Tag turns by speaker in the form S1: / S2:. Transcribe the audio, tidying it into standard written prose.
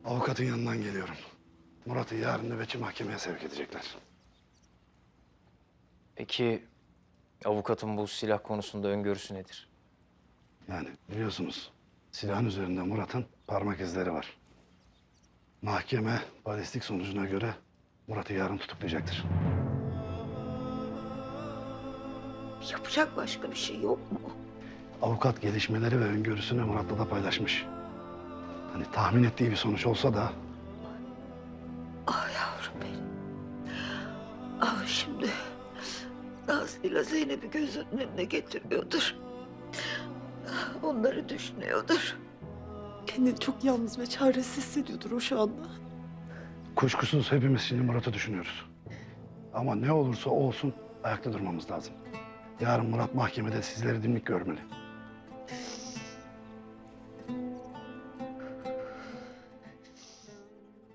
S1: Avukatın yanından geliyorum. Murat'ı yarın nöbetçi mahkemeye sevk edecekler.
S2: Peki avukatın bu silah konusunda öngörüsü nedir?
S1: Yani biliyorsunuz silahın üzerinde Murat'ın parmak izleri var. Mahkeme balistik sonucuna göre Murat'ı yarın tutuklayacaktır.
S3: Yapacak başka bir şey yok mu?
S1: Avukat gelişmeleri ve öngörüsünü Murat'la da paylaşmış. Hani tahmin ettiği bir sonuç olsa da
S3: Ah yavrum benim. Ah şimdi Nazlı'yla Zeynep'i gözünün önüne getiriyordur. Onları düşünüyordur.
S4: Kendini çok yalnız ve çaresiz hissediyordur o şu anda.
S1: kuşkusuz hepimiz şimdi Murat'ı düşünüyoruz. Ama ne olursa olsun ayakta durmamız lazım. Yarın Murat mahkemede sizleri dimdik görmeli.